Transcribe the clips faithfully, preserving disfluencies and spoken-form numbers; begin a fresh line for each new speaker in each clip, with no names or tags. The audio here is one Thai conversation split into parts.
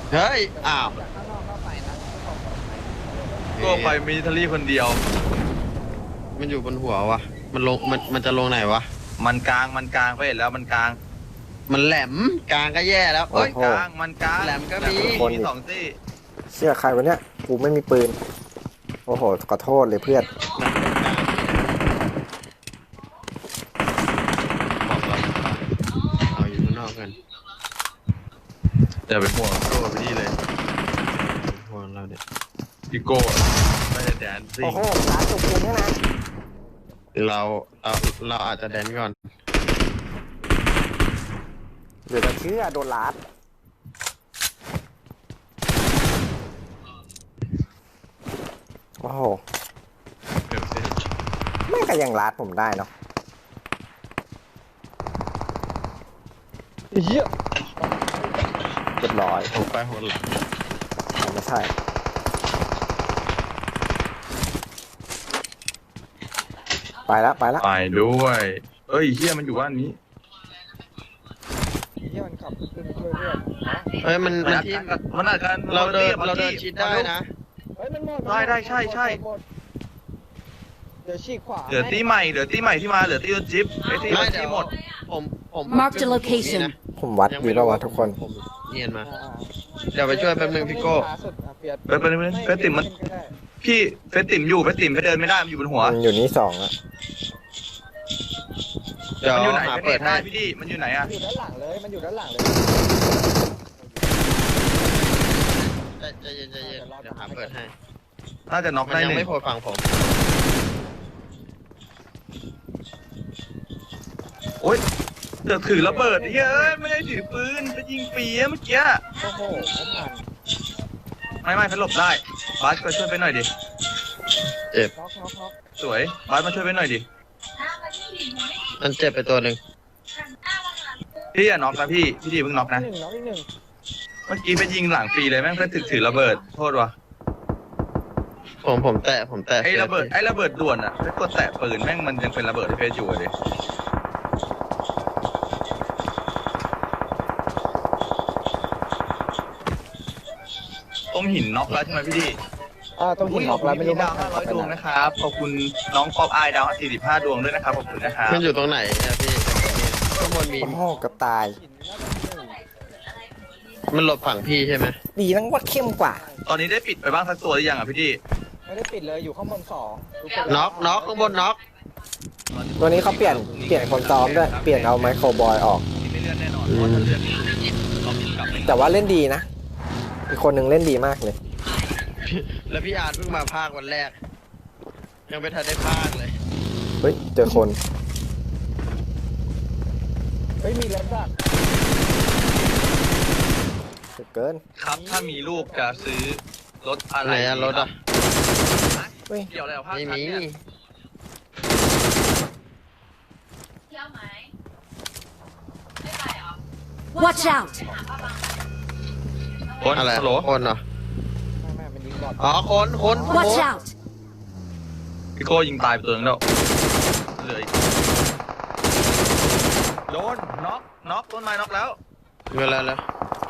เฮ้ยอ้าว
ก็ไปมิลิเทอรี่คนเดียว
มันอยู่บนหัววะมันลงมันมันจะลงไหนวะ
มันกลางมันกลางไปเห็นแล้วมันกลาง
มันแหลมกลางก็แย่แล้วเอ้ย
กลางมันกลาง
แหลมก็มี
มีสองซี่
เชื่อใครวะเนี่ยกูไม่มีปืนโอ้โหขอโทษเลยเพื่อน
บอกเราเอาอยู่ข้างนอกกัน
อย่าไปห่วงโก้ไปนี่เลย
ห่วงเราเนี่ย
พี่โก้ไม่ได้แดนซิ่
โอ้
ง
โหร้านจุกปูนเนี่ยนะ
เราเราเราอาจจะแดนก่อน
เดี๋ยวจะเชื่อโดนลัดโอ้โหไม่ก็ยังลัดผมได้เนาะเยอะเรียบร้อย
โอ้ไปหัวหลัง
ไม่ใช่ไปแล้วไปแล้ว
ไปด้วยเอ้ยเฮียมันอยู่บ้านนี้
ที่มันขับขึ้นช่วยเพื่อน
เฮ้ยมันมันที่
มันอาจจะ
เราเดินเราเดินชิดได้นะ
ได้ได้ใช่ใช่
เดี๋ยวฉีกขวา
เหลือตีใหม่เหลือตีใหม่ที่มาเหลือตีรถจิ๊บไอ้ที่รถที่หมด
ผมผม
Mark the location
ผมวัดอยู่แล้ววะทุกคน
ผมเนียนมาเดี๋ยวไปช่วยแป๊บนึงพี่โก้
เฟสเฟสติ่มมันพี่เฟสติ่มอยู่เฟสติ่มเดินไม่ได้มันอยู่บนหัว
มันอยู่นี่สองอะ
เดี๋ยว
มันอยู่ไหน
หา
เปิ
เปิ
ด
ด
ได้
ให้
พี่ดิมันอยู่ไหนอะ
อยู่ด้านหลังเลยมันอยู่ด้านหลังเลย
ใจเย็นใจเย็นเดี๋ยวหาเปิดให้
น่าจะน็อก
มัน
ได้
ยัง
หนึ่ง
ไม่โผล่ฝั่งผม
โอ๊ยเดือดถือระเบิดเฮ้ยไม่ได้ถือปืนไปยิงปีเมื่อกี้
โอ้โห
ไม่ไม่พัดหลบได้บาสก็ช่วยไปหน่อยดิ
เจ็บ
น็อกน็อกน็อก
สวยบาสมาช่วยไปหน่อยดิ
มันเจ็บไปตัวหนึ่ง
พี่อย่าน็อกนะพี่พี่ดีเพิ่งน็อกนะ
หนึ่งน็อกอีกหนึ่ง
เมื่อกี้ไปยิงหลังปีเลยแม่งเพื่อถือถือระเบิดโทษวะ
ผมผมแตะผมแตะ
ไอ้ระเบิดไอ้ระเบิดด่วนอ่ะถ้ากดแตะปืนแม่งมันยังเป็นระเบิดที่เฟซอยู่เลยตรงหินน็อกแล้วใช่ไหมพี่ดี
อ่าต้องหินน็อกแล้วไม่รู้
ดาวห้าร้อยดวงนะครับขอบคุณน้องป๊อปอายดาวสี่สิบห้าดวงด้วยนะครับขอบคุณนะครับ
มันอยู่ตรงไหนเนี่ยพี่ข้างบนมี
โอ้โหกับตาย
มันหลบฝั่งพี่ใช่ไหม
ดีนั่งว่าเข้มกว่า
ตอนนี้ได้ปิดไปบ้างสักตัวหรือยังอ่ะพี่ดี
ไม่ได้ปิดเลยอยู่ข้างบนสอง
น็อกน็อกข้างบนน็อก
ตัวนี้เขาเปลี่ยนเปลี่ยนคนซ้อมด้วยเปลี่ยนเอาไมโครบอยออก
ไม่เลื่อนแน่นอนเพราะถ้าเลื่อนเรากลับไป
แต่ว่าเล่นดีนะอีกคนหนึ่งเล่นดีมากเลย
แล้วพี่อาร์ตเพิ่งมาภาควันแรก ยังไม่ทันได้ภาคเลย
เฮ้ยเจอคนเฮ้ยมีรถดักเกิน
ครับถ้ามีลูกจะซื้อรถอะไร
ไหนอะรถอะ
เฮ้ย
เกี่ยวอะไรกับภาค
ไม่
ทัศ
มี
น์เนี่ย
Watch out!
คน
อะไร
ฮัลโหล
คนเหรอ
ไม่ไม่มันยิงบอด
อ๋อคนคนคน
Watch out!
พี่โก้ยิงตายไปตัวนึงแล้วเหลืออีกโดนน็อกน็อกต้นไม้น็อกแล้ว
เวลาแล้ว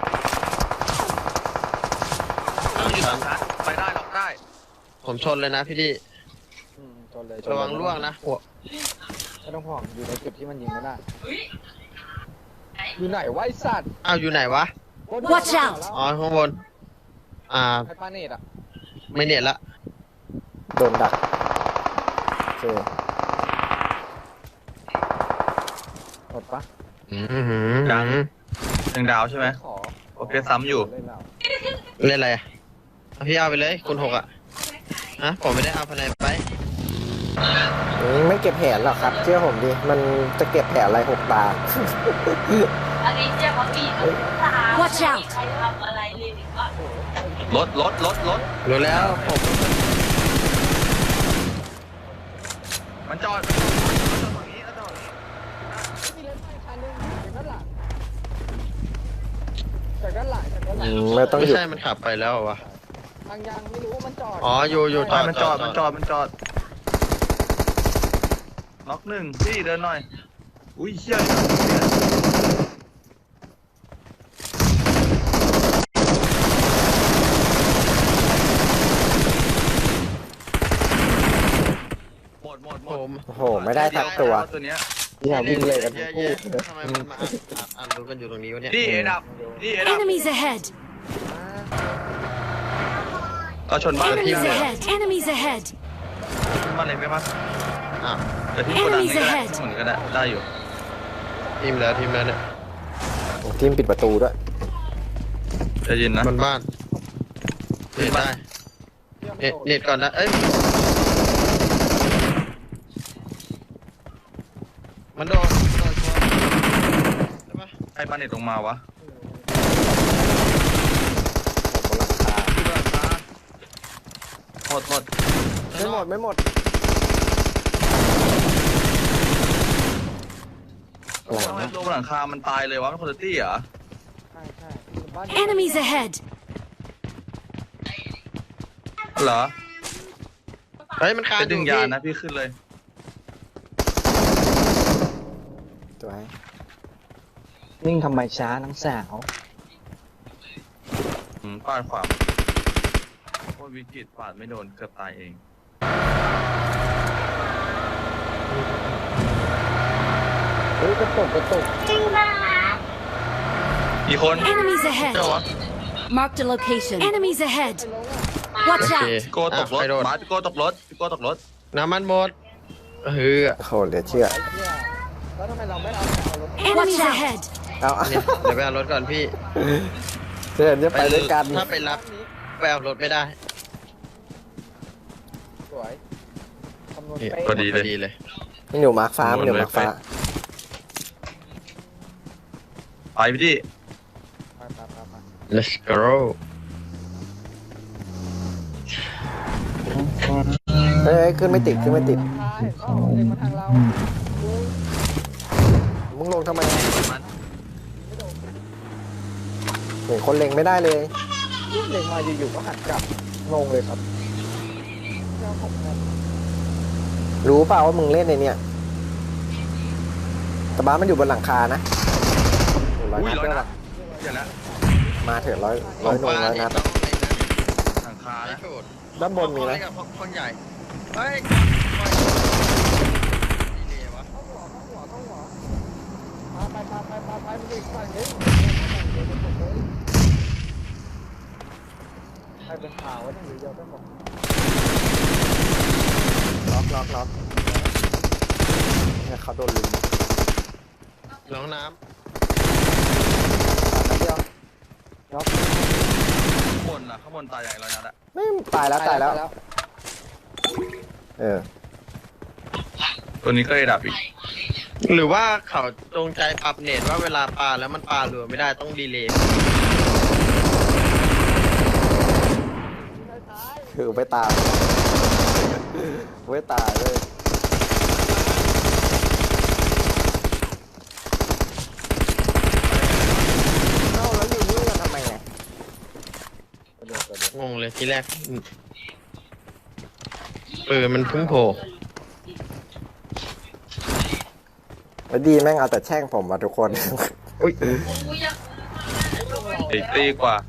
ต้องยืนสามชั้นไปได้ล็อกได้
ผมชนเลยนะพี่ดิ
อืมชนเลย
ระวังล่วงนะหัว
ไม่ต้องห่วงอยู่ในจุดที่มันยิงไม่ได้อยู่ไหนวะไอสัตว์
อ้าวอยู่ไหนวะ
Watch out
อ๋อข้างบน อ่า
ไอปาเนตอ่ะ
ไม่เน็ตละ
โดนดักโอเคหมดปะ
อือหือ
ยังหนึ่งดาวใช่ไหม
ขอ
โอเคซ้ำอยู่
เล่นเรา
เล่นอะไรอะเอาพี่เอาไปเลยคุณหกอ่ะฮะผมไม่ได้เอาภายในไป
อืมไม่เก็บแผนหรอกครับเชื่อผมดิมันจะเก็บแผนอะไรหกตา
อันนี้เจ้าของปีเขาถาม
Watch out
ใครทำอะไรเลยหรือว่าร
ถรถรถรถ
รู้แล้วผม
มันจอดมันจอดฝั่งนี้แล้วจอดฝั่งนี้
มีรถไฟคันนึงจากด้านหลังจากด้านหลังจากด้านหลั
อื
ง
มไม่ต้องไม่ใช่มันขับไปแล้ววะ
ทางยังไม่รู้ว่ามันจอด
อ๋ออยู่อยู่จอด
มันจอดมันจอดมันจอดน็อกหนึ่งพี่เดินหน่อยอุ้ยเชี่ย
ไม่ได้ทักตัว
ตัวเนี้ย
อย่าวิ่งเลยกันทั้งคู่
ทำไมมันมาอ่านอ่านอ่านรู้กันอยู่ตรงนี้วะเนี่ย
นี่เอดับนี่เอดับ
Enemies ahead!
ก็ชนบ้าน
Enemies ahead! Enemies ahead!
ชนบ้านอะไรไหมปะ
อ้าว
แต่ที่โกดังนี่ก็ได้เหมือนก็ได้ได้อยู่
ทีมแล้วทีมแล้วเนี่ย
ทีมปิดประตูด้วย
จะยินนะ
บนบ้านเน็ตได้เน็ตเน็ตก่อนนะเอ้ยมันโดนโดนตัวใช่ปะ
ใครบ้านเน็ตลงมาวะ
บนหลังคา
หมดหมด
ไม่หมดไม่หมด
โอ้โหลงบนหลังคามันตายเลยวะมันคนละตี้เหรอ
Enemies ahead!
เหรอ
เฮ้ยมันคาน
ไป
อ
ดึ
ยู่
ง
พี่
ยานะพี่ขึ้นเลย
ตัวไหน
นิ่งทำไมช้าน้องสาว
อืมปาดขวาโคตรวิกฤตปาดไม่โดนเกือบตายเอง
เฮ้ยกระตุกกระตุก
อีกคน
Enemies ahead!
เจ้าวะ
Marked a location. Enemies ahead! Watch
โอเค
out!
พี่โกตกรถ
อ่ะใคโดน
บาสพี่โกตกรถพี่โกตกรถ
น้ำมันหมดเฮ้ย
โอ้โหเหลือเชื่อ
แล้วทำไมเราไม่เอาเอารถ
Enemies ahead!
เอา
เนี่ยเดี๋ยวไปเอารถก่อนพี่
เชิญจะไปด้วยกัน
ถ้าไปรับไปเอารถไม่ได้
สวยคำนวณ
เนี่ย
เป๊ะ
พอดี
พอดีเลย
นี่หนูมาร์คฟ้ามันหนูมาร์คฟ้า
ไปพี่ดิ
ไปไปไปไป
let's go
เฮ้ยขึ้นไม่ติดขึ้นไม่ติด
ใช่เอ้าเล็งมาทางเรา
มึงลงทำไม
มัน
เห็นคนเล็งไม่ได้เลย
เล็งมาอยู่ๆก็หันกลับงงเลยครับเจ้าของแม่
รู้เปล่าว่ามึงเล่นในเนี่ยแต่บ้านมันอยู่บนหลังคานะร้อย
อุ้ย
นัด
ร้อย
ด้วย
นั
วะ
ดเดี๋ยวนะ
มาเถอะร้อยร้อยหนงร้อยนัด
ต้องเล่นนะ
หลังคา
ไม่
นะ
ถูก
ด้านบนมีไหม
เล่กับคนใหญ่เฮ้ยดีเลยวะ
เข้าหัวเข้าหัวเข้าหัวมาไปไปไปไปไปมันอีกฝั่งนึงใครเป็นข่าววะเนี่ยหรือเดียวกันหมด
ล็อกล็อกล็อกเนี่ยเขาโดนลุม
น้องน้
นัดเดียว
ข้างบนนะข้างบนตายใหญ่ร้อยนัดอะ
ไม่ตายแล้วตายแล้ว เออ
ตัวนี้ก็เอดับอีก
ำหรือว่าเขาจงใจปรับเน็ตว่าเวลาปาแล้วมันปาเรือไม่ได้ต้องดีเลย์
คือไม่ตายไม่ตายเลยเอ้าแล้วอยู่นี่กันทำไมไง
งงเลยทีแรกปืนมันเพิ่งโผล่
แล้วดีแม่งเอาแต่แช่งผมมาทุกคน
อุ้ย
อีกตีกว่า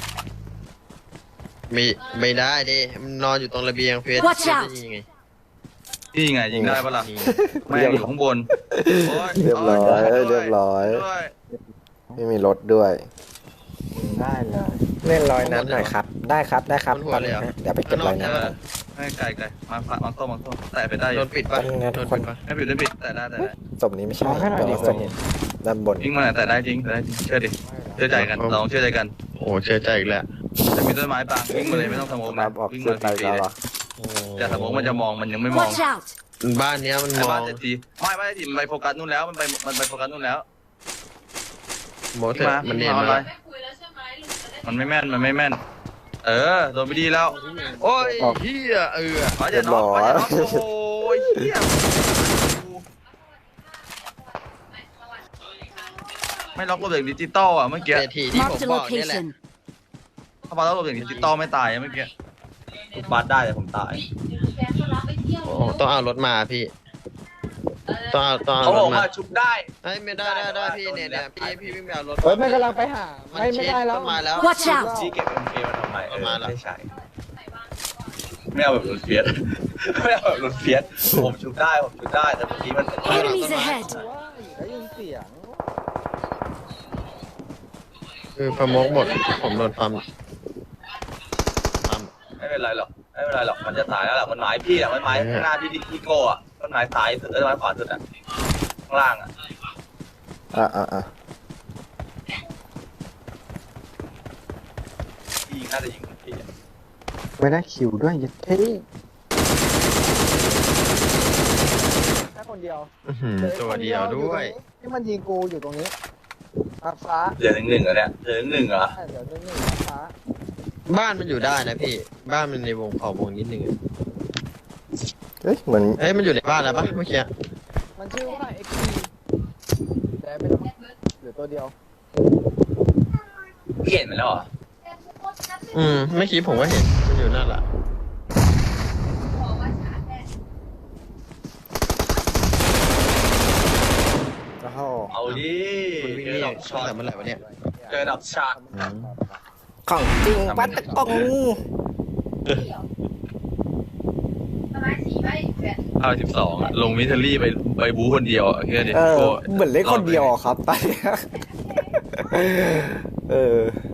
ไม่ไม่ได้ดิมันนอนอยู่ตรงระเบียงเฟส
Watch out
จะยิงไง
นี่ไงยิงได้ปะล่ะแม่งอยู่ข้างบนโ
เรียบร้อยเรียบร้อย
ด้วย
ไม่มีรถด้วย
ได้เลย
เล่นร้อยนัดหน่อยครับ ได้ครับได้ครับตอนนี้นะเดี๋ยวไปเก็บร้อยนัด
เออให้ไกลไกลมาฝากมังต้มมังต้มแต่ไปได้อ
โด
ยู่
นปิดปะ
เป็นไงทุ
โด
ก
น
คน
ปิดปะ
ไม่ปิดไม่ปิดแต่ได้แต่ได้
ศพนี้ไม่ใช่แต่ว่าศพด้านบน
ยิงมาแต่ได้จริงแต่ได้จริงเชื่อดิเชื่อใจกันลองเชื่อใจกัน
โอ้เชื่อใจอีกแล้ว
จะมีต้นไม้บางวิ่งมาเลยไม่ต้องสมอง
ครั
นะ
บออก
วิ่ง
เสื้
มา
อใจ
ฟรี
เรา
ๆ
เห
เล
ร
ย
อ
แต่สมองมันจะมองมันยังไม่มอง
Watch out!
บ้านเนี้ยมัน
ไอ้
มอ
บ้าน
ง
เศรษฐีไม่บ้านเศรษฐีมันไปโฟกัสนู่นแล้วมันไปมันไปโฟกัสนู่นแล้ว
โมเถอะมันเนียน
มา
มา
อะไร
แล้ว
ไม่คุยแล้วใช่ไหมลุงจะได้
มันไม่แม่นมันไม่แม่น เออโดนไปดีแล้ว
โอ้ยเฮียเออ
ขอจะน็อกขอจะน็อกโอ้โหเหี้ยไม่ล็อกระเบิดดิจิตอลอ่ะเมื่อกี้
เศรษฐีที่ผม
Marked a
บอกเนี่ยแหละ
location.
ถ้ามาล็อกระเบิดดิจิตอลไม่ตายเมื่อกี้บาดได้แต่ผมตาย
แฟนก็รับไปเที่ยว
โอ้ต้องเอารถมาพี่ต้องเอาต้องเอา
เขา
ร
บอ
ถ
ก
มา
ว่าชุบได้
เฮ้ยไม่ได้ได้ได้พี่เนี่ยเนี่ยพี่พี่วิ่งไปเอารถ
เฮ้ยมันกำลังไปหา
มัน
ไม่ไม่
เช็ด
ได้แล้ว
ต้นไม้แล้ว
Watch out!
จี้เก็บเอ็มเคมาทำไมเออ
มาแล้ว
ไม่ใช่ไม่เอาแบบเฟียสไม่เอาแบบหลุดเพี้ยนผมชุบได้ผมชุบได้แต่เมื่อกี้มัน
Enemies ahead!
ได้ยินเสียง
คือประมงหมดผมโดนปั๊มปั๊ม
ไม่เป็นไรหรอกไม่เป็นไรหรอกมันจะตายแล้วแหละมันหมายพี่อะมันหมายข้างหน้าพี่พี่โก้อะมันหมายซ้ายสุดแล้วมันขวาสุดอะข้างล่างอะ
อ่ะอ่ะอ่ะ
พี่น่าจะยิงคนพี่อะ
ไม่ได้คิวด้วยยัดเท่
แค่คนเดียว
อื้อหือตัวเดียวด้วย
ที่มันยิงกูอยู่ตรงนี้ฟ้าฟ้า
เหลือหนึ่งหนึ่งเหรอเนี่ยเหลือหนึ่งหนึ่งเหรอ
เดี๋ยวนึงนึงฟ้า
บ้านมันอยู่ได้นะพี่ บ้านมันในวงขอบวงนิดนึงอะ
เฮ้ยเหมือน
เอ้ยมันอยู่ในบ้านแล้วปะเมื่อกี้
มันชื่อว่า เอ็กซ์ พี แต่ไม่ต้องเหลือตัวเดียว
พี่เห็นมันแล้วเหรอ
อืมเมื่อกี้ผมก็เห็นมันอยู่นั่นแหละ
โอ้โห
เอาดิ
คุณวิ่ง
เจ
นี่
อดอกช็อต
แต่เมื่อไหร่วะเนี่ย
เจอดอกช็อต
อืม
ของจริงปัดตะกง
ประมาณสี่ใบแปด
เอาสิบสองลงมิเทอรี่ไปไปบู๊คนเดียวอะแค่นี้
เออ
โก้
เหมือนเล่นคนเดียวอะครับตอนเนี้ยเออ